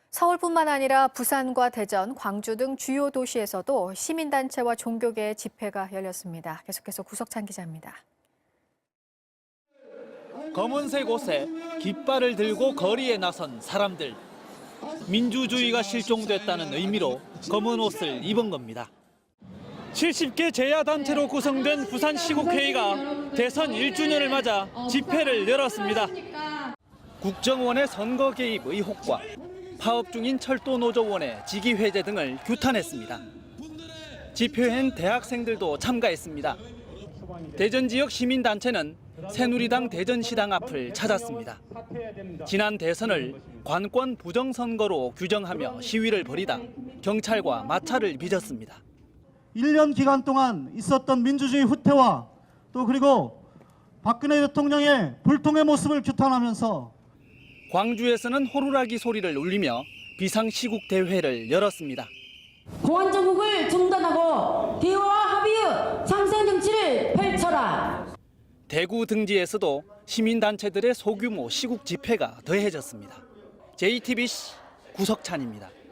서울뿐만 아니라 부산과 대전, 광주 등 주요 도시에서도 시민단체와 종교계의 집회가 열렸습니다. 계속해서 구석찬 기자입니다. 검은색 옷에 깃발을 들고 거리에 나선 사람들. 민주주의가 실종됐다는 의미로 검은 옷을 입은 겁니다. 70개 제야단체로 구성된 부산시국회의가 대선 1주년을 맞아 집회를 열었습니다. 국정원의 선거 개입 의혹과 파업 중인 철도노조원의 직위 해제 등을 규탄했습니다. 집회엔 대학생들도 참가했습니다. 대전 지역 시민단체는 새누리당 대전시당 앞을 찾았습니다. 지난 대선을 관권 부정선거로 규정하며 시위를 벌이다 경찰과 마찰을 빚었습니다. 1년 기간 동안 있었던 민주주의 후퇴와 또 그리고 박근혜 대통령의 불통의 모습을 규탄하면서 광주에서는 호루라기 소리를 울리며 비상시국 대회를 열었습니다. 공안정국을 중단하고 대화와 합의의 상생 정치를 펼쳐라. 대구 등지에서도 시민단체들의 소규모 시국 집회가 더해졌습니다. JTBC 구석찬입니다.